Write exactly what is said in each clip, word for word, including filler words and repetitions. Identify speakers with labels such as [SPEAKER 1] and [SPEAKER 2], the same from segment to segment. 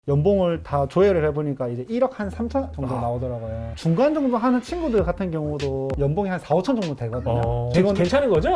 [SPEAKER 1] 연봉을 다 조회를 해보니까 이제 일억 한 삼천 정도
[SPEAKER 2] 아.
[SPEAKER 1] 나오더라고요. 중간 정도 하는 친구들 같은 경우도 연봉이 한 사, 오천 정도 되거든요.
[SPEAKER 2] 어,
[SPEAKER 1] 직원
[SPEAKER 2] 괜찮은 거죠?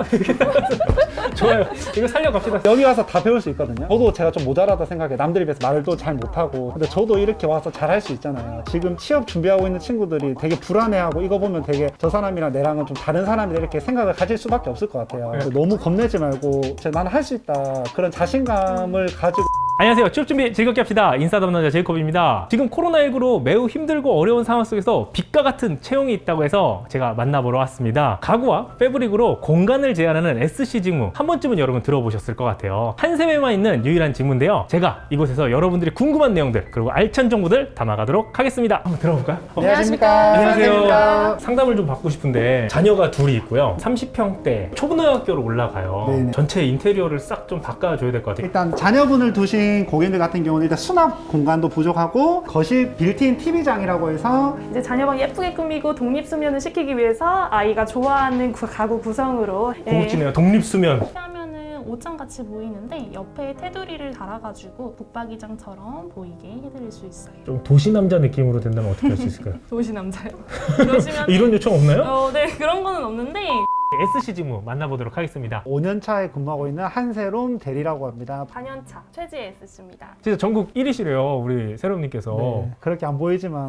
[SPEAKER 2] 좋아요. 이거 살려갑시다.
[SPEAKER 1] 여기 와서 다 배울 수 있거든요. 저도 제가 좀 모자라다 생각해. 남들에 비해서 말도 잘 못하고. 근데 저도 이렇게 와서 잘할 수 있잖아요. 지금 취업 준비하고 있는 친구들이 되게 불안해하고 이거 보면 되게 저 사람이랑 내랑은 좀 다른 사람이다 이렇게 생각을 가질 수밖에 없을 것 같아요.
[SPEAKER 2] 네.
[SPEAKER 1] 너무 겁내지 말고 나는 할 수 있다 그런 자신감을 가지고
[SPEAKER 2] 안녕하세요. 취업 준비 즐겁게 합시다. 인싸 담당자 제이콥입니다. 지금 코로나십구로 매우 힘들고 어려운 상황 속에서 빛과 같은 채용이 있다고 해서 제가 만나보러 왔습니다. 가구와 패브릭으로 공간을 제한하는 에스씨 직무 한 번쯤은 여러분 들어보셨을 것 같아요. 한샘에만 있는 유일한 직무인데요. 제가 이곳에서 여러분들이 궁금한 내용들 그리고 알찬 정보들 담아가도록 하겠습니다. 한번 들어볼까요?
[SPEAKER 1] 안녕하십니까.
[SPEAKER 2] 안녕하세요. 상담을 좀 받고 싶은데 자녀가 둘이 있고요. 삼십 평대 초등학교로 올라가요.
[SPEAKER 1] 네네.
[SPEAKER 2] 전체 인테리어를 싹 좀 바꿔줘야 될 것 같아요.
[SPEAKER 1] 일단 자녀분을 두신 고객들 같은 경우는 일단 수납 공간도 부족하고 거실 빌트인 티비장이라고 해서
[SPEAKER 3] 이제 자녀방 예쁘게 꾸미고 독립수면을 시키기 위해서 아이가 좋아하는 구- 가구 구성으로
[SPEAKER 2] 고급지네요. 독립수면.
[SPEAKER 3] 하면은 옷장 같이 보이는데 옆에 테두리를 달아가지고 북박이장처럼 보이게 해드릴 수 있어요.
[SPEAKER 2] 좀 도시 남자 느낌으로 된다면 어떻게 할 수 있을까요?
[SPEAKER 3] 도시 남자요. 그러시면
[SPEAKER 2] 이런 요청 없나요?
[SPEAKER 3] 어, 네 그런 거는 없는데
[SPEAKER 2] 에스씨 직무 만나보도록 하겠습니다.
[SPEAKER 1] 오 년 차에 근무하고 있는 한세롬 대리라고 합니다.
[SPEAKER 3] 사 년 차 최지혜 에스씨입니다.
[SPEAKER 2] 진짜 전국 일 위시래요, 우리 세롬님께서.
[SPEAKER 1] 네, 그렇게 안 보이지만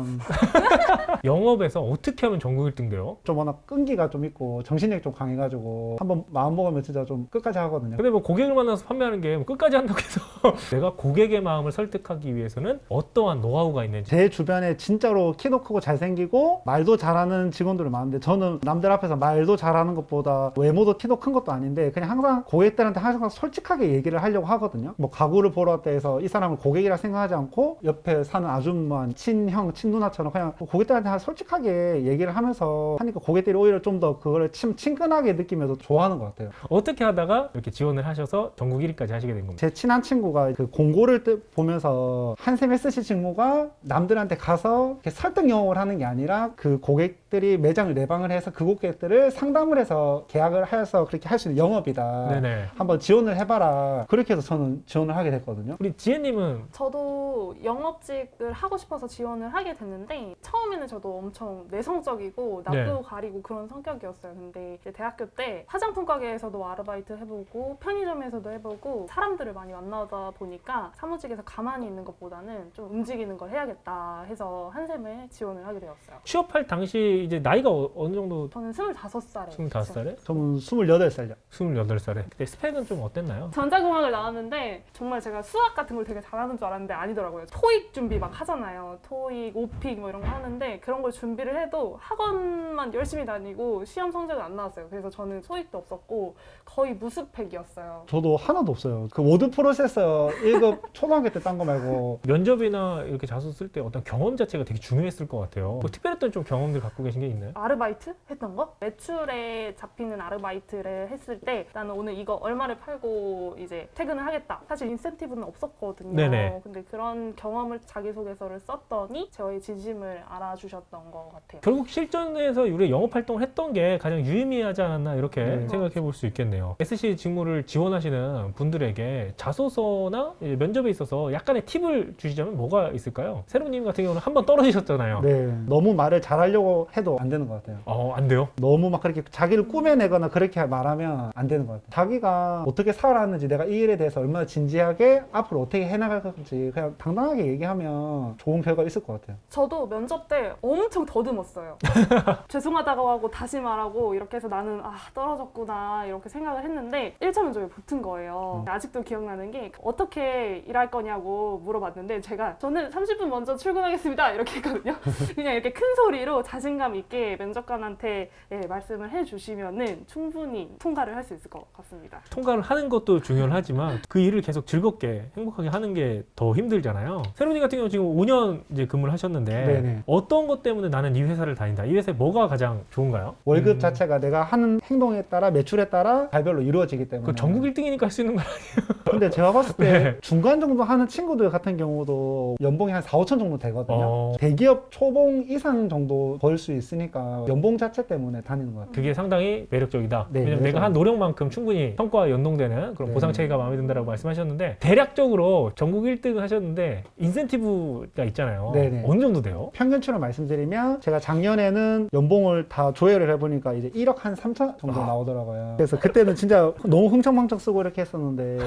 [SPEAKER 2] 영업에서 어떻게 하면 전국 일 등 돼요?
[SPEAKER 1] 좀 워낙 끈기가 좀 있고 정신력이 좀 강해가지고 한번 마음 먹으면 진짜 좀 끝까지 하거든요.
[SPEAKER 2] 근데 뭐 고객을 만나서 판매하는 게뭐 끝까지 한다고 해서 내가 고객의 마음을 설득하기 위해서는 어떠한 노하우가 있는지.
[SPEAKER 1] 제 주변에 진짜로 키도 크고 잘생기고 말도 잘하는 직원들이 많은데 저는 남들 앞에서 말도 잘하는 것보다 외모도 키도 큰 것도 아닌데 그냥 항상 고객들한테 항상 솔직하게 얘기를 하려고 하거든요. 뭐 가구를 보러 왔다 해서 이 사람을 고객이라 생각하지 않고 옆에 사는 아줌마, 친형, 친누나처럼 그냥 고객들한테 솔직하게 얘기를 하면서 하니까 고객들이 오히려 좀 더 그거를 친, 친근하게 느끼면서 좋아하는 것 같아요.
[SPEAKER 2] 어떻게 하다가 이렇게 지원을 하셔서 전국 일 위까지 하시게 된 겁니다.
[SPEAKER 1] 제 친한 친구가 그 공고를 뜨- 보면서 한샘 에스씨 직무가 남들한테 가서 이렇게 설득 영업을 하는 게 아니라 그 고객들이 매장을 내방을 해서 그 고객들을 상담을 해서 계약을 해서 그렇게 할 수 있는 영업이다.
[SPEAKER 2] 네네.
[SPEAKER 1] 한번 지원을 해봐라. 그렇게 해서 저는 지원을 하게 됐거든요.
[SPEAKER 2] 우리 지혜님은
[SPEAKER 3] 저도 영업직을 하고 싶어서 지원을 하게 됐는데 처음에는 저도 엄청 내성적이고 낯도
[SPEAKER 2] 네.
[SPEAKER 3] 가리고 그런 성격이었어요. 근데 이제 대학교 때 화장품 가게에서도 아르바이트 해보고 편의점에서도 해보고 사람들을 많이 만나다 보니까 사무직에서 가만히 있는 것보다는 좀 움직이는 걸 해야겠다 해서 한샘에 지원을 하게 되었어요.
[SPEAKER 2] 취업할 당시 이제 나이가 어- 어느 정도?
[SPEAKER 3] 저는 스물다섯 살에
[SPEAKER 2] 스물다섯 살에?
[SPEAKER 1] 저는 스물여덟 살이요.
[SPEAKER 2] 스물여덟 살에. 그때 스펙은 좀 어땠나요?
[SPEAKER 3] 전자공학을 나왔는데 정말 제가 수학 같은 걸 되게 잘하는 줄 알았는데 아니더라고요. 토익 준비 막 하잖아요. 토익, 오픽 뭐 이런 거 하는데 그런 걸 준비를 해도 학원만 열심히 다니고 시험 성적은 안 나왔어요. 그래서 저는 토익도 없었고 거의 무스펙이었어요.
[SPEAKER 1] 저도 하나도 없어요. 그 워드 프로세서 일 급 초등학교 때 딴 거 말고
[SPEAKER 2] 면접이나 이렇게 자소 쓸 때 어떤 경험 자체가 되게 중요했을 것 같아요. 뭐 특별했던 좀 경험들 갖고 계신 게 있나요?
[SPEAKER 3] 아르바이트 했던 거? 매출에 잡히는 아르바이트를 했을 때 나는 오늘 이거 얼마를 팔고 이제 퇴근을 하겠다. 사실 인센티브는 없었거든요.
[SPEAKER 2] 네네.
[SPEAKER 3] 근데 그런 경험을 자기소개서를 썼더니 저의 진심을 알아주셨던 것 같아요.
[SPEAKER 2] 결국 실전에서 우리 영업 활동을 했던 게 가장 유의미하지 않았나 이렇게
[SPEAKER 1] 네.
[SPEAKER 2] 생각해 볼 수 있겠네요. 에스씨 직무를 지원하시는 분들에게 자소서나 이제 면접에 있어서 약간의 팁을 주시자면 뭐가 있을까요? 세로님 같은 경우는 한 번 떨어지셨잖아요.
[SPEAKER 1] 네, 너무 말을 잘하려고 해도 안 되는 것 같아요.
[SPEAKER 2] 어, 안 돼요?
[SPEAKER 1] 너무 막 그렇게 자기를 꾸며내거나 그렇게 말하면 안 되는 것 같아요. 자기가 어떻게 살아왔는지 내가 이 일에 대해서 얼마나 진지하게 앞으로 어떻게 해나갈 건지 그냥 당당하게 얘기하면 좋은 결과가 있을 것 같아요.
[SPEAKER 3] 저도 면접 때 엄청 더듬었어요. 죄송하다고 하고 다시 말하고 이렇게 해서 나는 아 떨어졌구나 이렇게 생각을 했는데 일 차 면접에 붙은 거예요.
[SPEAKER 1] 음.
[SPEAKER 3] 아직도 기억나는 게 어떻게 일할 거냐고 물어봤는데 제가 저는 삼십 분 먼저 출근하겠습니다 이렇게 했거든요. 그냥 이렇게 큰 소리로 자신감 있게 면접관한테 예, 말씀을 해주시면은 충분히 통과를 할 수 있을 것 같습니다.
[SPEAKER 2] 통과를 하는 것도 중요하지만 그 일을 계속 즐겁게 행복하게 하는 게 더 힘들잖아요. 세로님 같은 경우 지금 오 년 이제 근무를 하셨는데
[SPEAKER 1] 네네.
[SPEAKER 2] 어떤 것 때문에 나는 이 회사를 다닌다. 이 회사에 뭐가 가장 좋은가요?
[SPEAKER 1] 월급
[SPEAKER 2] 음,
[SPEAKER 1] 자체가 내가 하는 행동에 따라 매출에 따라 달별로 이루어지기 때문에
[SPEAKER 2] 그 전국 일 등이니까 할 수 있는 거
[SPEAKER 1] 근데 제가 봤을 때
[SPEAKER 2] 네.
[SPEAKER 1] 중간 정도 하는 친구들 같은 경우도 연봉이 한 사, 오천 정도 되거든요.
[SPEAKER 2] 어.
[SPEAKER 1] 대기업 초봉 이상 정도 벌 수 있으니까 연봉 자체 때문에 다니는 것 같아요.
[SPEAKER 2] 그게 상당히 매력적이다.
[SPEAKER 1] 네,
[SPEAKER 2] 왜냐면 내가
[SPEAKER 1] 매력적이다.
[SPEAKER 2] 한 노력만큼 충분히 성과와 연동되는 그런
[SPEAKER 1] 네.
[SPEAKER 2] 보상 체계가 마음에 든다라고 말씀하셨는데 대략적으로 전국 일 등 하셨는데 인센티브가 있잖아요.
[SPEAKER 1] 네네.
[SPEAKER 2] 어느 정도 돼요?
[SPEAKER 1] 평균치로 말씀드리면 제가 작년에는 연봉을 다 조회를 해보니까 이제 일억 한 삼천 정도
[SPEAKER 2] 아.
[SPEAKER 1] 나오더라고요. 그래서 그때는 진짜 너무 흥청망청 쓰고 이렇게 했었는데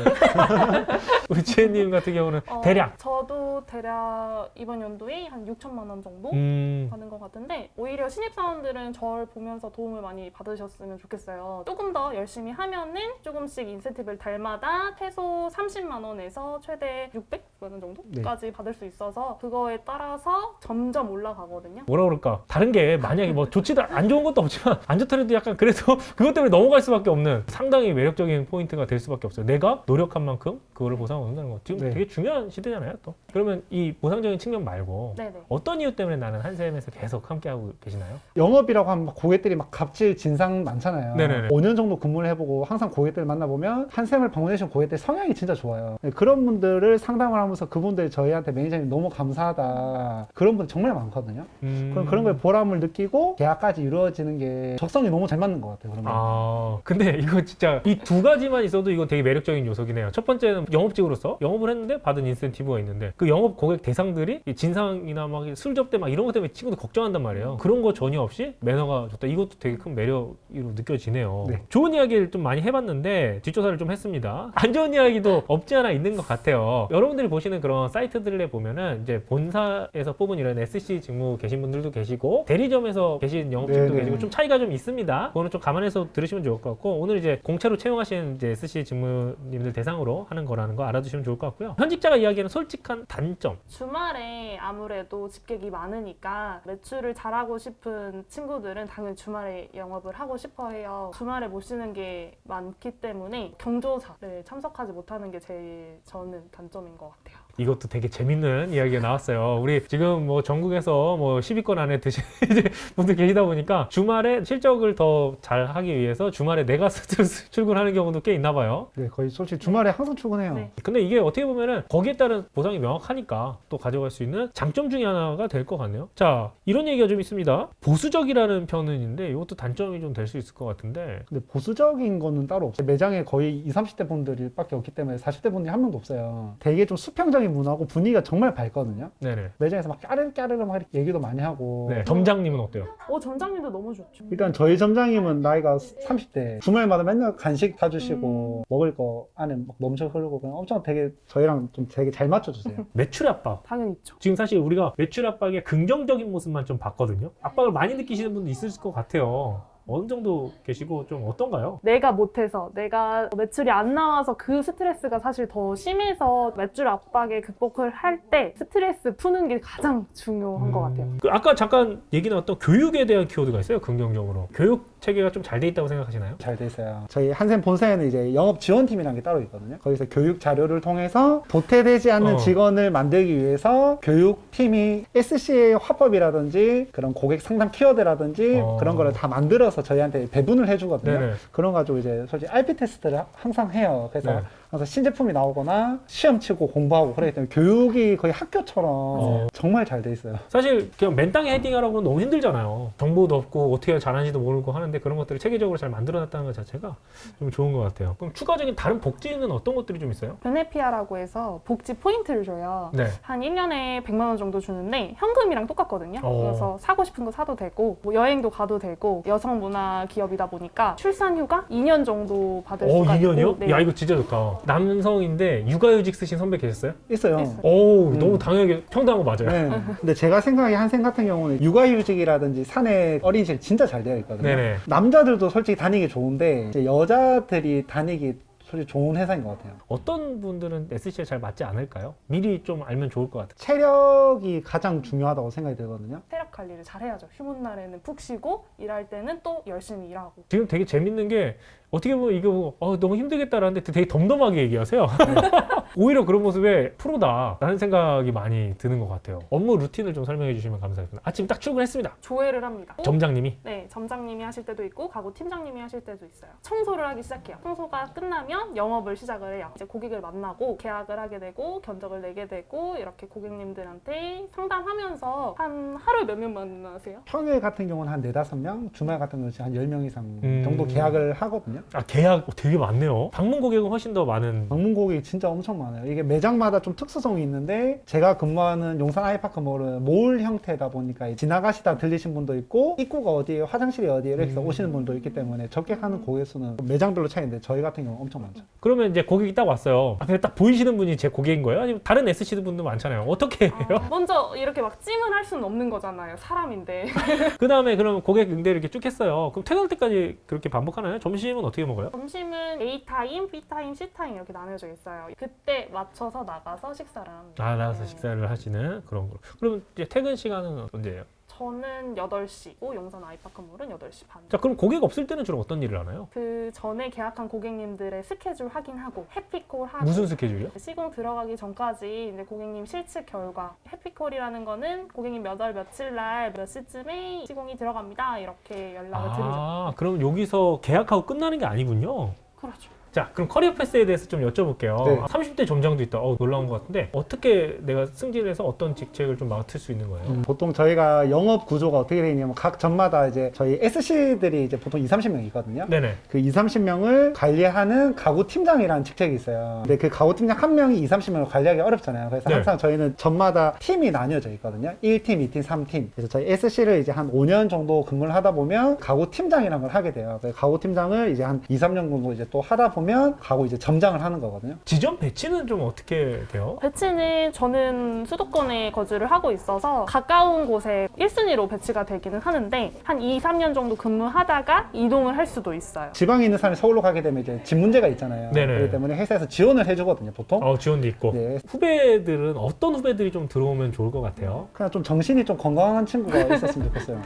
[SPEAKER 2] 우리 지혜님 같은 경우는
[SPEAKER 3] 어,
[SPEAKER 2] 대략
[SPEAKER 3] 저도 대략 이번 연도에 한 육천만 원 정도
[SPEAKER 2] 음,
[SPEAKER 3] 받는 것 같은데 오히려 신입사원들은 저를 보면서 도움을 많이 받으셨으면 좋겠어요. 조금 더 열심히 하면은 조금씩 인센티브를 달마다 최소 삼십만 원에서 최대 육백만 원 정도까지 받을 수 있어서 그거에 따라서 점점 올라가거든요.
[SPEAKER 2] 뭐라 그럴까? 다른 게 만약에 뭐 좋지도 안 좋은 것도 없지만 안 좋더라도 약간 그래도 그것 때문에 넘어갈 수밖에 없는 상당히 매력적인 포인트가 될 수밖에 없어요. 내가 노력한 만큼 그거를 보상을 얻는다는 거. 지금
[SPEAKER 1] 네.
[SPEAKER 2] 되게 중요한 시대잖아요, 또. 그러면 이 보상적인 측면 말고
[SPEAKER 3] 네네.
[SPEAKER 2] 어떤 이유 때문에 나는 한샘에서 계속 함께하고 계시나요?
[SPEAKER 1] 영업이라고 하면 막 고객들이 막 갑질 진상 많잖아요.
[SPEAKER 2] 네네네.
[SPEAKER 1] 오 년 정도 근무를 해보고 항상 고객들 만나보면 한샘을 방문해주신 고객들 성향이 진짜 좋아요. 그런 분들을 상담을 하면서 그분들 저희한테 매니저님 너무 감사하다 그런 분들 정말 많거든요.
[SPEAKER 2] 음...
[SPEAKER 1] 그럼 그런 거에 보람을 느끼고 계약까지 이루어지는 게 적성이 너무 잘 맞는 것 같아요. 그런 거.
[SPEAKER 2] 아, 근데 이거 진짜 이 두 가지만 있어도 이거 되게 매력적인 요소긴 해요. 첫 번째는 영업직으로서 영업을 했는데 받은 인센티브가 있는데 그 영업 고객 대상들이 이 진상이나 막 술 접대 막 이런 것 때문에 친구들 걱정한단 말이에요. 그런 거 전혀 없이 매너가 좋다. 이것도 되게 큰 매력으로 느껴지네요.
[SPEAKER 1] 네.
[SPEAKER 2] 좋은 이야기를 좀 많이 해봤는데 뒷조사를 좀 했습니다. 안 좋은 이야기도 없지 않아 있는 것 같아요. 여러분들이 보시는 그런 사이트들에 보면은 이제 본사에서 뽑은 이런 에스씨 직무 계신 분들도 계시고 대리점에서 계신 영업직도
[SPEAKER 1] 네네.
[SPEAKER 2] 계시고 좀 차이가 좀 있습니다. 그거는 좀 감안해서 들으시면 좋을 것 같고 오늘 이제 공채로 채용하신 이제 에스씨 직무님들 대상으로 하는 거라는 거 알아두시면 좋을 것 같고요. 현직자가 이야기하는 솔직한 단점.
[SPEAKER 3] 주말에 아무래도 집객이 많으니까 매출을 잘하고 싶은 친구들은 당연히 주말에 영업을 하고 싶어 해요. 주말에 못 쉬는 게 많기 때문에 경조사를 참석하지 못하는 게 제일 저는 단점인 것 같아요.
[SPEAKER 2] 이것도 되게 재밌는 이야기가 나왔어요. 우리 지금 뭐 전국에서 뭐 십 위권 안에 드신 분들 계시다 보니까 주말에 실적을 더 잘 하기 위해서 주말에 내가 스스로 출근하는 경우도 꽤 있나 봐요.
[SPEAKER 1] 네, 거의 솔직히 주말에 항상 출근해요.
[SPEAKER 3] 네.
[SPEAKER 2] 근데 이게 어떻게 보면은 거기에 따른 보상이 명확하니까 또 가져갈 수 있는 장점 중에 하나가 될 것 같네요. 자, 이런 얘기가 좀 있습니다. 보수적이라는 편은인데 이것도 단점이 좀 될 수 있을 것 같은데.
[SPEAKER 1] 근데 보수적인 거는 따로 없어요. 매장에 거의 이십, 삼십 대 분들밖에 없기 때문에 사십 대 분들이 한 명도 없어요. 되게 좀 수평적인 문화고 분위기가 정말 밝거든요.
[SPEAKER 2] 네네.
[SPEAKER 1] 매장에서 막 까르르까르르 막 이렇게 얘기도 많이 하고.
[SPEAKER 2] 네. 점장님은 어때요?
[SPEAKER 3] 어, 점장님도 너무 좋죠.
[SPEAKER 1] 일단 저희 점장님은 나이가 삼십 대. 주말마다 맨날 간식 사주시고 먹을 거 안에 막 넘쳐 흐르고 그냥 엄청 되게 저희랑 좀 되게 잘 맞춰주세요.
[SPEAKER 2] 매출 압박.
[SPEAKER 3] 당연히 있죠.
[SPEAKER 2] 지금 사실 우리가 매출 압박의 긍정적인 모습만 좀 봤거든요. 압박을 많이 느끼시는 분도 있을 것 같아요. 어느 정도 계시고 좀 어떤가요?
[SPEAKER 3] 내가 못해서 내가 매출이 안 나와서 그 스트레스가 사실 더 심해서 매출 압박에 극복을 할 때 스트레스 푸는 게 가장 중요한 것 같아요.
[SPEAKER 2] 그 아까 잠깐 얘기 나왔던 교육에 대한 키워드가 있어요. 긍정적으로. 교육 체계가 좀 잘 돼 있다고 생각하시나요?
[SPEAKER 1] 잘 돼 있어요. 저희 한샘 본사에는 이제 영업 지원팀이라는 게 따로 있거든요. 거기서 교육 자료를 통해서 도태되지 않는
[SPEAKER 2] 어.
[SPEAKER 1] 직원을 만들기 위해서 교육팀이 에스씨의 화법이라든지 그런 고객 상담 키워드라든지
[SPEAKER 2] 어.
[SPEAKER 1] 그런 거를 다 만들어서 저희한테 배분을 해주거든요.
[SPEAKER 2] 네네.
[SPEAKER 1] 그런 거 가지고 이제 솔직히 알피 테스트를 항상 해요. 그래서
[SPEAKER 2] 네.
[SPEAKER 1] 항상 신제품이 나오거나 시험 치고 공부하고 그러기 때문에 교육이 거의 학교처럼
[SPEAKER 2] 어.
[SPEAKER 1] 정말 잘 돼 있어요.
[SPEAKER 2] 사실 그냥 맨땅에 헤딩하라고는 너무 힘들잖아요. 정보도 없고 어떻게 잘하는지도 모르고 하는데 그런 것들을 체계적으로 잘 만들어놨다는 것 자체가 좀 좋은 것 같아요. 그럼 추가적인 다른 복지는 어떤 것들이 좀 있어요?
[SPEAKER 3] 베네피아라고 해서 복지 포인트를 줘요.
[SPEAKER 2] 네.
[SPEAKER 3] 한 일 년에 백만 원 정도 주는데 현금이랑 똑같거든요.
[SPEAKER 2] 어.
[SPEAKER 3] 그래서 사고 싶은 거 사도 되고 뭐 여행도 가도 되고 여성 문화 기업이다 보니까 출산 휴가 이 년 정도 받을
[SPEAKER 2] 어,
[SPEAKER 3] 수가
[SPEAKER 2] 이 년이요?
[SPEAKER 3] 있고 네.
[SPEAKER 2] 야, 이거 진짜 좋다. 남성인데 육아휴직 쓰신 선배 계셨어요?
[SPEAKER 1] 있어요.
[SPEAKER 3] 있어요.
[SPEAKER 2] 오,
[SPEAKER 1] 음.
[SPEAKER 2] 너무 당연하게 평등한 거 맞아요.
[SPEAKER 1] 네. 근데 제가 생각하기에 한샘 같은 경우는 육아휴직이라든지 사내 어린이실 진짜 잘 되어 있거든요.
[SPEAKER 2] 네네.
[SPEAKER 1] 남자들도 솔직히 다니기 좋은데 이제 여자들이 다니기 솔직히 좋은 회사인 것 같아요.
[SPEAKER 2] 어떤 분들은 에스씨에 잘 맞지 않을까요? 미리 좀 알면 좋을 것 같아요.
[SPEAKER 1] 체력이 가장 중요하다고 생각이 들거든요.
[SPEAKER 3] 체력 관리를 잘 해야죠. 휴문 날에는 푹 쉬고 일할 때는 또 열심히 일하고.
[SPEAKER 2] 지금 되게 재밌는 게 어떻게 보면 이거 어, 너무 힘들겠다라는데 되게 덤덤하게 얘기하세요. 오히려 그런 모습에 프로다라는 생각이 많이 드는 것 같아요. 업무 루틴을 좀 설명해 주시면 감사하겠습니다. 아침 딱 출근했습니다.
[SPEAKER 3] 조회를 합니다.
[SPEAKER 2] 점장님이.
[SPEAKER 3] 네, 점장님이 하실 때도 있고 가구 팀장님이 하실 때도 있어요. 청소를 하기 시작해요. 청소가 끝나면 영업을 시작을 해요. 이제 고객을 만나고 계약을 하게 되고 견적을 내게 되고 이렇게 고객님들한테 상담하면서 한 하루에 몇 명 만나세요?
[SPEAKER 1] 평일 같은 경우는 한 네다섯 명, 주말 같은 경우는 한 열 명 이상
[SPEAKER 2] 음.
[SPEAKER 1] 정도 계약을 하거든요.
[SPEAKER 2] 아, 계약 되게 많네요. 방문 고객은 훨씬 더 많은.
[SPEAKER 1] 방문 고객이 진짜 엄청 많아요. 이게 매장마다 좀 특수성이 있는데 제가 근무하는 용산 아이파크몰은 몰 형태다 보니까 지나가시다 들리신 분도 있고 입구가 어디에 화장실이 어디에 이렇게 해서
[SPEAKER 2] 음.
[SPEAKER 1] 오시는 분도 있기 때문에 접객하는 고객 수는 매장별로 차이인데 저희 같은 경우는 엄청 많죠.
[SPEAKER 2] 그러면 이제 고객이 딱 왔어요. 앞에 딱 보이시는 분이 제 고객인 거예요? 아니면 다른 에스씨 분도 많잖아요. 어떻게 해요?
[SPEAKER 3] 아, 먼저 이렇게 막 찜을 할 수는 없는 거잖아요. 사람인데.
[SPEAKER 2] 그 다음에 그럼 고객 응대를 이렇게 쭉 했어요. 그럼 퇴근할 때까지 그렇게 반복하나요? 점심은 어떻게 먹어요?
[SPEAKER 3] 점심은 A 타임, B 타임, C 타임 이렇게 나눠져 있어요. 그때 맞춰서 나가서 식사를 합니다.
[SPEAKER 2] 아, 나가서
[SPEAKER 3] 네.
[SPEAKER 2] 식사를 하시는 그런 거. 그럼 이제 퇴근 시간은 언제예요?
[SPEAKER 3] 저는 여덟 시고 용산 아이파크몰은 여덟 시 반.
[SPEAKER 2] 자, 그럼 고객 없을 때는 주로 어떤 일을 하나요?
[SPEAKER 3] 그 전에 계약한 고객님들의 스케줄 확인하고 해피콜 하고
[SPEAKER 2] 무슨 스케줄이요?
[SPEAKER 3] 시공 들어가기 전까지 이제 고객님 실측 결과 해피콜이라는 거는 고객님 몇 월 며칠 날 몇 시쯤에 시공이 들어갑니다 이렇게 연락을 드리죠.
[SPEAKER 2] 아, 그럼 여기서 계약하고 끝나는 게 아니군요.
[SPEAKER 3] 그렇죠.
[SPEAKER 2] 자, 그럼 커리어 패스에 대해서 좀 여쭤볼게요.
[SPEAKER 1] 네.
[SPEAKER 2] 삼십 대 점장도 있다. 어, 놀라운 것 같은데 어떻게 내가 승진해서 어떤 직책을 좀 맡을 수 있는 거예요?
[SPEAKER 1] 음, 보통 저희가 영업 구조가 어떻게 되어 있냐면 각 점마다 이제 저희 에스씨들이 이제 보통 이삼십 명 있거든요.
[SPEAKER 2] 네네.
[SPEAKER 1] 그 이삼십 명을 관리하는 가구 팀장이라는 직책이 있어요. 근데 그 가구 팀장 한 명이 이삼십 명을 관리하기 어렵잖아요. 그래서
[SPEAKER 2] 네.
[SPEAKER 1] 항상 저희는 점마다 팀이 나뉘어져 있거든요. 일 팀, 이 팀, 삼 팀. 그래서 저희 에스씨를 이제 한 오 년 정도 근무를 하다 보면 가구 팀장이라는 걸 하게 돼요. 그래서 가구 팀장을 이제 한 이, 삼 년 정도 이제 또 하다 보면 가구 이제 점장을 하는 거거든요.
[SPEAKER 2] 지점 배치는 좀 어떻게 돼요?
[SPEAKER 3] 배치는 저는 수도권에 거주를 하고 있어서 가까운 곳에 일 순위로 배치가 되기는 하는데 한 이, 삼 년 정도 근무하다가 이동을 할 수도 있어요.
[SPEAKER 1] 지방에 있는 사람이 서울로 가게 되면 이제 집 문제가 있잖아요.
[SPEAKER 2] 네네.
[SPEAKER 1] 그렇기 때문에 회사에서 지원을 해주거든요, 보통.
[SPEAKER 2] 어, 지원도 있고.
[SPEAKER 1] 네.
[SPEAKER 2] 후배들은 어떤 후배들이 좀 들어오면 좋을 것 같아요?
[SPEAKER 1] 그냥 좀 정신이 좀 건강한 친구가 있었으면 좋겠어요.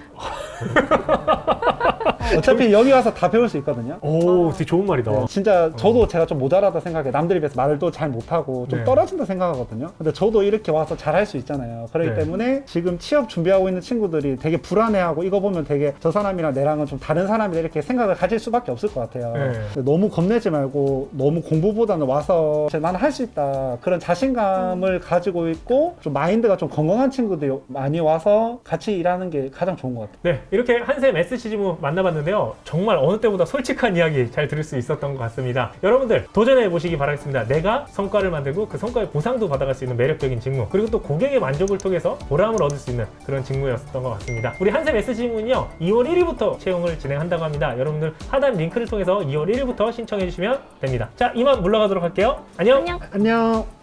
[SPEAKER 1] 어차피 여기 와서 다 배울 수 있거든요.
[SPEAKER 2] 오, 되게 좋은 말이다.
[SPEAKER 1] 네, 진짜 저도 제가 좀 모자라다 생각해. 남들에 비해서 말을 또 잘 못하고 좀
[SPEAKER 2] 네.
[SPEAKER 1] 떨어진다 생각하거든요. 근데 저도 이렇게 와서 잘할 수 있잖아요. 그렇기
[SPEAKER 2] 네.
[SPEAKER 1] 때문에 지금 취업 준비하고 있는 친구들이 되게 불안해하고 이거 보면 되게 저 사람이랑 내랑은 좀 다른 사람이다 이렇게 생각을 가질 수밖에 없을 것 같아요.
[SPEAKER 2] 네.
[SPEAKER 1] 근데 너무 겁내지 말고 너무 공부보다는 와서 나는 할 수 있다 그런 자신감을 가지고 있고 좀 마인드가 좀 건강한 친구들이 많이 와서 같이 일하는 게 가장 좋은 것 같아요.
[SPEAKER 2] 네, 이렇게 한샘 에스씨지무 만나봤는데요. 정말 어느 때보다 솔직한 이야기 잘 들을 수 있었던 것 같습니다. 여러분들 도전해 보시기 바라겠습니다. 내가 성과를 만들고 그 성과의 보상도 받아갈 수 있는 매력적인 직무, 그리고 또 고객의 만족을 통해서 보람을 얻을 수 있는 그런 직무였던 것 같습니다. 우리 한샘 에스씨지무는요 이월 일일부터 채용을 진행한다고 합니다. 여러분들 하단 링크를 통해서 이월 일일부터 신청해 주시면 됩니다. 자, 이만 물러가도록 할게요. 안녕.
[SPEAKER 3] 안녕.
[SPEAKER 1] 안녕.